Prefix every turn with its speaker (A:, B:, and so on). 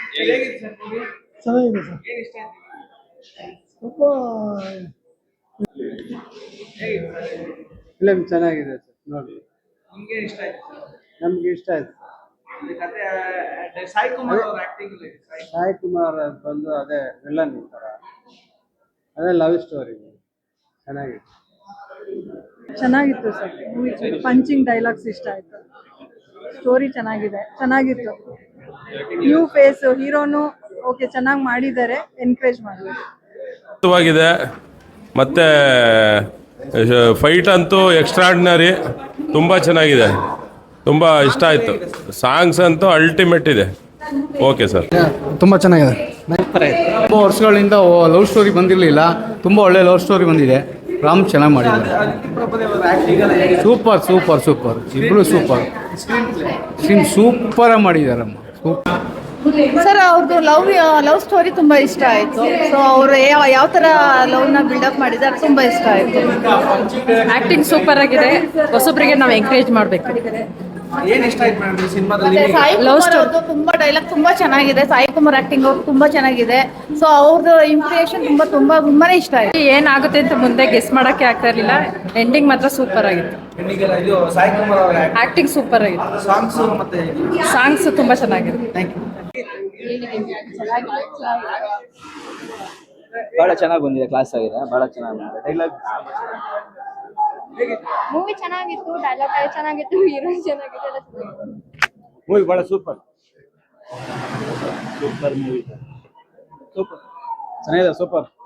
A: ಹೇಗಿತ್ತು sir movie?
B: ಚೆನ್ನಾಗಿದೆ sir.
A: ಏನು ಇಷ್ಟ ಆಯ್ತು?
B: ತುಂಬ
A: ಹೇಗಿತ್ತು ಸರ್?
C: ಫಿಲಮ್ ಚೆನ್ನಾಗಿದೆ ಸರ್, ನೋಡಿ.
A: ನಿಮ್ಗೆ ಇಷ್ಟ ಆಯ್ತು ಸರ್?
C: ನಮ್ಗೆ ಇಷ್ಟ ಆಯ್ತು.
A: ಈ ಕತೆ ಸಾಯಿ ಕುಮಾರ್ ಅವ್ರ ಆಕ್ಟಿಂಗ್
C: ಸಾಯಿ ಕುಮಾರ್ ಬಂದು ಅದೇ ವಿಲನ್ ಥರ, ಅದೇ ಲವ್ ಸ್ಟೋರಿ ಚೆನ್ನಾಗಿದೆ.
D: ಚೆನ್ನಾಗಿತ್ತು ಸರ್ ಮೂವಿ. ಪಂಚಿಂಗ್ ಡೈಲಾಗ್ಸ್ ಇಷ್ಟ ಆಯ್ತು. ಸ್ಟೋರಿ ಚೆನ್ನಾಗಿತ್ತು. ನ್ಯೂ ಫೇಸ್ ಹೀರೋನು ಓಕೆ, ಚೆನ್ನಾಗಿ ಮಾಡಿದ್ದಾರೆ, ಎನ್ಕರೇಜ್ ಮಾಡಬೇಕು.
E: ಮತ್ತು ಫೈಟ್ ಅಂತೂ ಎಕ್ಸ್ಟ್ರಾರ್ಡಿನರಿ, ತುಂಬ ಚೆನ್ನಾಗಿದೆ, ತುಂಬ ಇಷ್ಟ ಆಯಿತು. ಸಾಂಗ್ಸ್ ಅಂತೂ ಅಲ್ಟಿಮೇಟ್ ಇದೆ. ಓಕೆ ಸರ್,
F: ತುಂಬ ಚೆನ್ನಾಗಿದೆ. ತುಂಬ ವರ್ಷಗಳಿಂದ ಲವ್ ಸ್ಟೋರಿ ಬಂದಿರಲಿಲ್ಲ, ತುಂಬ ಒಳ್ಳೆ ಲವ್ ಸ್ಟೋರಿ ಬಂದಿದೆ. ರಾಮ್ ಚೆನ್ನಾಗಿ ಮಾಡಿದ್ದಾರೆ. ಸೂಪರ್ ಸೂಪರ್ ಸೂಪರ್, ಇಬ್ಬರು ಸೂಪರ್. ಸ್ಕ್ರೀನ್ ಸೂಪರಾಗಿ ಮಾಡಿದ್ದಾರಮ್ಮ, ಸೂಪರ್.
G: ಸರ್ ಅವ್ರದ್ದು ಲವ್ ಸ್ಟೋರಿ ತುಂಬ ಇಷ್ಟ ಆಯಿತು. ಸೊ ಅವರು ಯಾವ ಥರ ಲವ್ನ ಬಿಲ್ಡಪ್ ಮಾಡಿದ್ದಾರೆ, ತುಂಬ ಇಷ್ಟ ಆಯಿತು.
H: ಆ್ಯಕ್ಟಿಂಗ್ ಸೂಪರ್ ಆಗಿದೆ. ಹೊಸೊಬ್ಬರಿಗೆ ನಾವು ಎಂಕರೇಜ್ ಮಾಡಬೇಕು.
A: ಏನು ಇಷ್ಟ ಆಯ್ತು ಮೇಡಮ್ ಈ ಸಿನಿಮಾದಲ್ಲಿ?
G: ಸಾಯಿ ಕುಮಾರ್ ಅವ್ರದ್ದು ತುಂಬ ಡೈಲಾಗ್ ತುಂಬ ಚೆನ್ನಾಗಿದೆ. ಸಾಯಿ ಕುಮಾರ್ ಆ್ಯಕ್ಟಿಂಗ್ ಅವ್ರು ತುಂಬ ಚೆನ್ನಾಗಿದೆ. ಸೊ ಅವ್ರದ್ದು ಇಂಪ್ರೆಷನ್ ತುಂಬಾ ಇಷ್ಟ ಆಯಿತು.
H: ಏನಾಗುತ್ತೆ ಅಂತ ಮುಂದೆ ಗೆಸ್ ಮಾಡೋಕ್ಕೆ ಆಗ್ತಾ ಇರಲಿಲ್ಲ. ಎಂಡಿಂಗ್ ಮಾತ್ರ ಸೂಪರ್ ಆಗಿತ್ತು.
A: ಇದು ಸಾಯಿ ಕುಮಾರ್ ಅವರ
H: ಆ್ಯಕ್ಟಿಂಗ್ ಸೂಪರ್ ಆಗಿತ್ತು. ಸಾಂಗ್ಸ್ ತುಂಬ ಚೆನ್ನಾಗಿದೆ.
A: Thank you.
I: ಬಹಳ ಚೆನ್ನಾಗಿ ಬಂದಿದೆ, ಕ್ಲಾಸ್ ಆಗಿದೆ, ಬಹಳ ಚೆನ್ನಾಗಿ ಬಂದಿದೆ. ಡೈಲಾಗ್
J: ಮೂವಿ ಚೆನ್ನಾಗಿತ್ತು, ಡೈಲಾಗ್ ಚೆನ್ನಾಗಿತ್ತು, ಹೀರೋ ಚೆನ್ನಾಗಿತ್ತು, ಎಲ್ಲ ಚೆನ್ನಾಗಿತ್ತು.
I: ಮೂವಿ ಬಹಳ ಸೂಪರ್ ಮೂವಿ, ಸೂಪರ್ ಚೆನ್ನಾಗಿದೆ, ಸೂಪರ್.